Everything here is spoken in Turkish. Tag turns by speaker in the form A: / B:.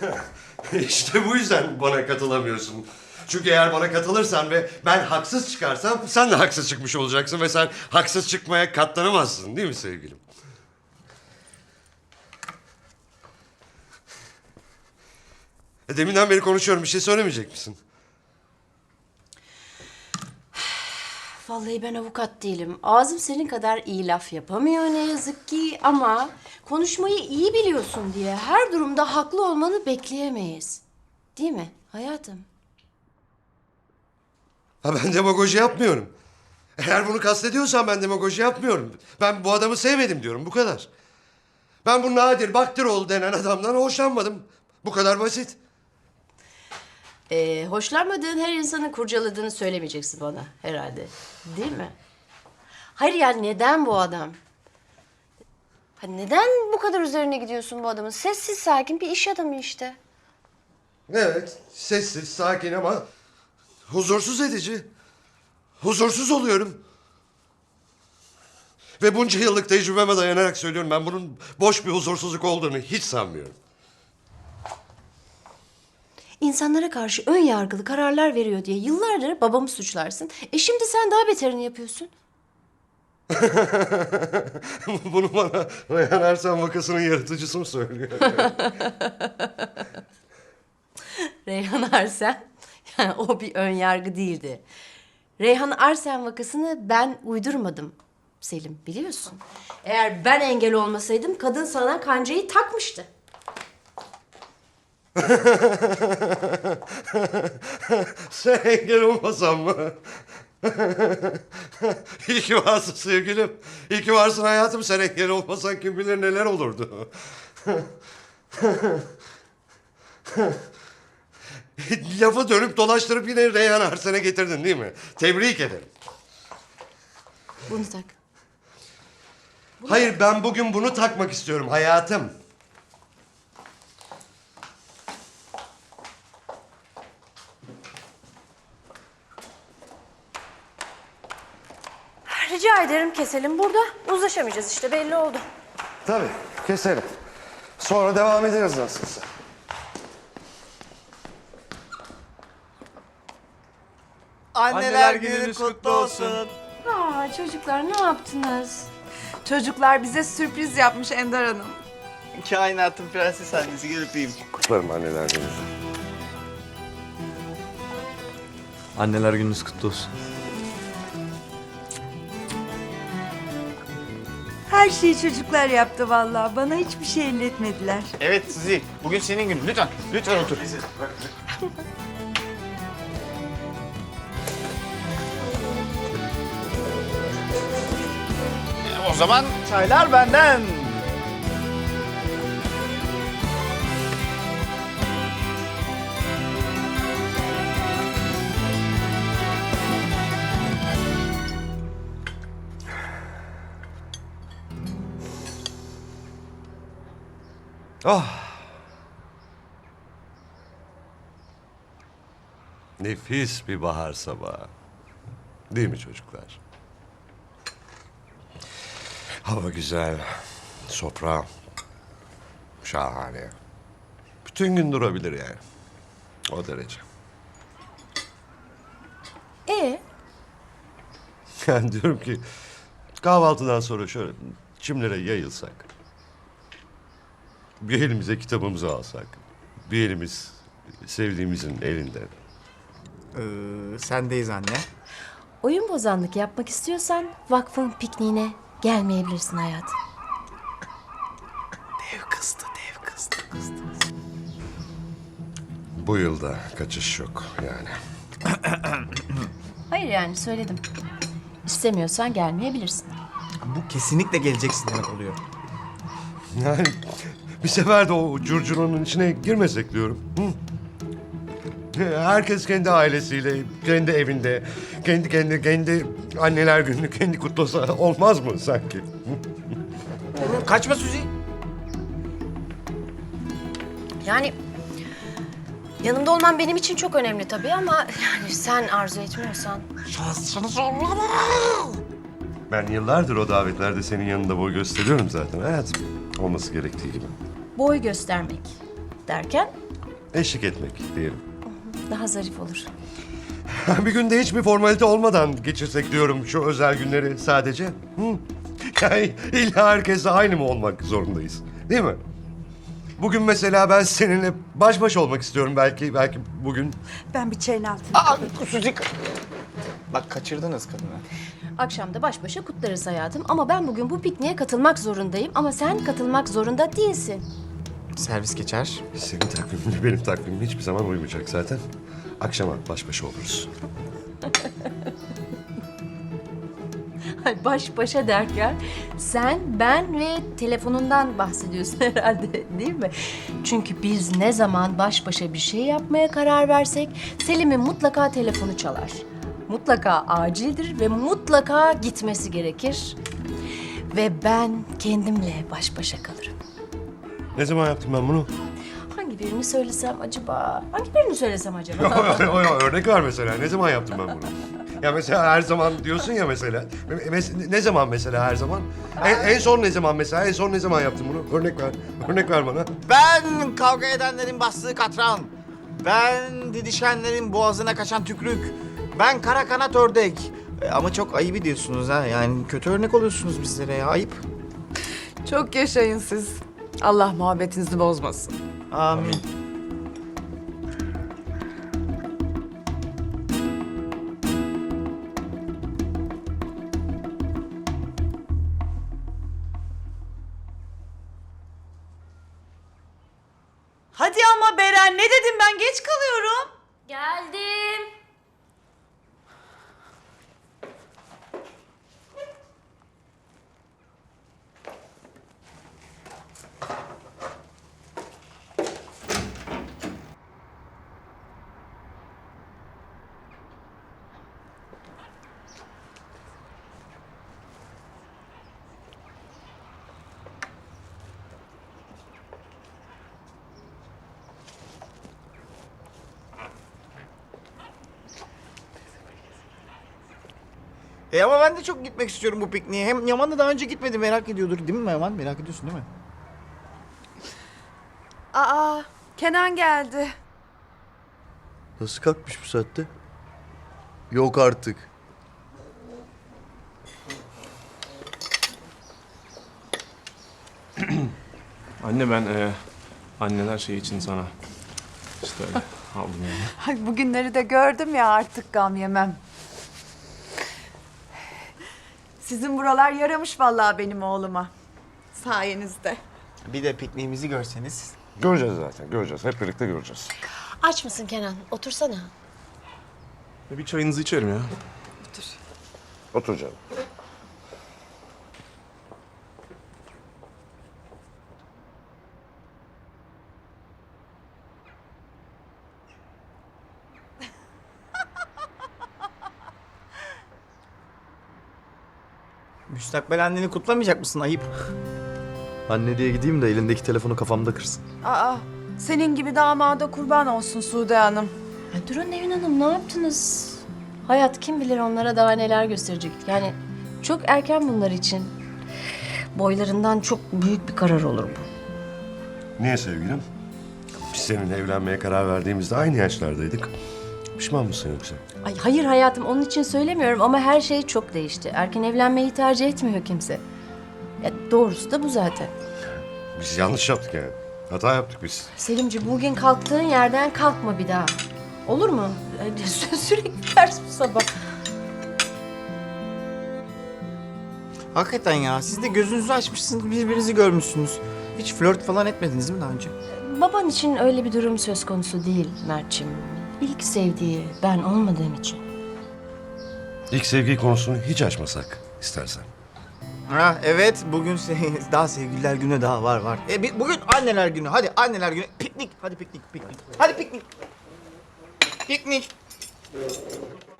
A: İşte bu yüzden bana katılamıyorsun. Çünkü eğer bana katılırsan ve ben haksız çıkarsam sen de haksız çıkmış olacaksın ve sen haksız çıkmaya katlanamazsın değil mi sevgilim? Deminden beri konuşuyorum, bir şey söylemeyecek misin?
B: Vallahi ben avukat değilim. Ağzım senin kadar iyi laf yapamıyor ne yazık ki ama konuşmayı iyi biliyorsun diye her durumda haklı olmanı bekleyemeyiz. Değil mi hayatım?
A: Ha, ben demagoji yapmıyorum. Eğer bunu kastediyorsan ben demagoji yapmıyorum. Ben bu adamı sevmedim diyorum, bu kadar. Ben bu Nadir Baktiroğlu denen adamdan hoşlanmadım. Bu kadar basit.
B: Hoşlanmadığın her insanın kurcaladığını söylemeyeceksin bana herhalde. Değil mi? Hayır yani neden bu adam? Ha, neden bu kadar üzerine gidiyorsun bu adamın? Sessiz sakin bir iş adamı işte.
A: Evet, sessiz, sakin ama huzursuz edici. Huzursuz oluyorum. Ve bunca yıllık tecrübeme dayanarak söylüyorum, ben bunun boş bir huzursuzluk olduğunu hiç sanmıyorum.
B: İnsanlara karşı ön yargılı kararlar veriyor diye yıllardır babamı suçlarsın. Şimdi sen daha beterini yapıyorsun.
A: Bunu bana Reyhan Ersen vakasının yaratıcısı mı söylüyor?
B: Reyhan Arsen, yani o bir ön yargı değildi. Reyhan Arsen vakasını ben uydurmadım Selim, biliyorsun. Eğer ben engel olmasaydım kadın sana kancayı takmıştı.
A: Sen engel olmasan mı? İyi ki varsın sevgilim. İyi ki varsın hayatım. Sen engel olmasan kim bilir neler olurdu. Lafı dönüp dolaştırıp yine Reyhan Arsen'e getirdin değil mi? Tebrik ederim.
B: Bunu tak.
A: Hayır, ben bugün bunu takmak istiyorum hayatım.
B: Rica ederim keselim burada. Uzlaşamayacağız işte belli oldu.
A: Tabii, keselim. Sonra devam ederiz nasılsa.
C: Anneler gününüz kutlu olsun.
B: Aa çocuklar ne yaptınız?
D: Çocuklar bize sürpriz yapmış Ender Hanım.
C: Kainatın prenses annesi, gel öpeyim.
A: Kutlarım anneler gününüzü.
E: Anneler gününüz kutlu olsun.
D: Her şeyi çocuklar yaptı vallahi. Bana hiçbir şey elletmediler.
C: Evet Suzi, bugün senin günün. Lütfen, lütfen otur. O zaman çaylar benden.
A: Oh. Nefis bir bahar sabahı. Değil mi çocuklar? Hava güzel, sofra şahane. Bütün gün durabilir yani. O derece. Yani diyorum ki kahvaltıdan sonra şöyle çimlere yayılsak. Bir elimize kitabımızı alsak. Bir elimiz sevdiğimizin elinden.
C: Sendeyiz anne.
B: Oyun bozanlık yapmak istiyorsan vakfın pikniğine gelmeyebilirsin hayatım.
C: Dev kızdı, dev kızdı.
A: Bu yılda kaçış yok yani.
B: Hayır yani söyledim. İstemiyorsan gelmeyebilirsin.
C: Bu kesinlikle geleceksin demek oluyor.
A: Yani bir sefer de o curcunanın içine girmesek diyorum. Hı? Herkes kendi ailesiyle, kendi evinde, kendi anneler gününü kendi kutlasa olmaz mı sanki? Hı?
C: Kaçma Suzi.
B: Yani yanımda olman benim için çok önemli tabii ama yani sen arzu etmiyorsan.
A: Ben yıllardır o davetlerde senin yanında boy gösteriyorum zaten hayatım. Olması gerektiği gibi.
B: Boy göstermek Derken
A: Eşlik etmek diyelim.
B: daha zarif olur.
A: Bir günde hiçbir formalite olmadan geçirsek diyorum şu özel günleri sadece. Hı? Yani illa herkesle aynı mı olmak zorundayız? Değil mi? Bugün mesela ben seninle baş başa olmak istiyorum belki bugün.
D: Ben bir çayın altına.
C: Aa, Suzi. Bak kaçırdınız kadını.
B: Akşam da baş başa kutlarız hayatım. Ama ben bugün bu pikniğe katılmak zorundayım. Ama sen katılmak zorunda değilsin.
C: Servis geçer.
A: Senin takviminle benim takvimim hiçbir zaman uymayacak zaten. Akşama baş başa oluruz.
B: Ay, baş başa derken sen, ben ve telefonundan bahsediyorsun herhalde, değil mi? Çünkü biz ne zaman baş başa bir şey yapmaya karar versek Selim'in mutlaka telefonu çalar. Mutlaka acildir ve mutlaka gitmesi gerekir. Ve ben kendimle baş başa kalırım.
A: Ne zaman yaptım ben bunu?
B: Hangi birini söylesem acaba? Hangi birini söylesem acaba?
A: Örnek ver mesela. Ne zaman yaptım ben bunu? Ya mesela her zaman diyorsun ya mesela. Ne zaman mesela her zaman? En son ne zaman mesela? En son ne zaman yaptım bunu? Örnek ver. Örnek ver bana.
C: Ben kavga edenlerin bastığı katran. Ben didişenlerin boğazına kaçan tükrük. Ben kara kanat ördek. Ama çok ayıp ediyorsunuz ha. Yani kötü örnek oluyorsunuz bizlere ya. Ayıp.
F: Çok yaşayın siz. Allah muhabbetinizi bozmasın.
C: Amin.
G: Hadi ama Beren, ne dedim ben, geç kalıyorum.
B: Geldim.
C: Ama ben de çok gitmek istiyorum bu pikniğe. Hem Yaman da daha önce gitmedi, merak ediyordur. Değil mi Yaman? Merak ediyorsun değil mi?
F: Aa, Kenan geldi.
H: Nasıl kalkmış bu saatte? Yok artık.
E: Anne ben anneler şey için sana işte öyle aldım yani.
D: Ay, bugünleri de gördüm ya, artık gam yemem. Sizin buralar yaramış vallahi benim oğluma. Sayenizde.
C: Bir de pikniğimizi görseniz.
A: Göreceğiz zaten. Göreceğiz. Hep birlikte göreceğiz.
B: Aç mısın Kenan? Otursana.
E: Bir çayınızı içerim ya.
A: Otur canım.
C: Müstakbel anneni kutlamayacak mısın? Ayıp.
H: Anne diye gideyim de elindeki telefonu kafamda kırsın.
F: Aa, senin gibi damada kurban olsun Sude Hanım.
B: Ya durun Nevin Hanım, ne yaptınız? Hayat kim bilir onlara daha neler gösterecek. Yani çok erken bunlar için. Boylarından çok büyük bir karar olur bu.
A: Niye sevgilim? Biz seninle evlenmeye karar verdiğimizde aynı yaşlardaydık. Pişman mısın yoksa?
B: Ay hayır hayatım, onun için söylemiyorum ama her şey çok değişti. Erken evlenmeyi tercih etmiyor kimse. Ya doğrusu da bu zaten.
A: Biz yanlış yaptık yani. Hata yaptık biz.
B: Selimci, bugün kalktığın yerden kalkma bir daha. Olur mu? Sürekli ters bu sabah.
C: Hakikaten ya. Siz de gözünüzü açmışsınız, birbirinizi görmüşsünüz. Hiç flört falan etmediniz mi daha önce?
B: Baban için öyle bir durum söz konusu değil Mert'ciğim. İlk sevdiği ben olmadığım için.
A: İlk sevgi konusunu hiç açmasak istersen.
C: Ha evet, bugün daha sevgililer günü daha var. Bugün anneler günü. Hadi anneler günü. Piknik. Hadi piknik. Hadi piknik. Piknik.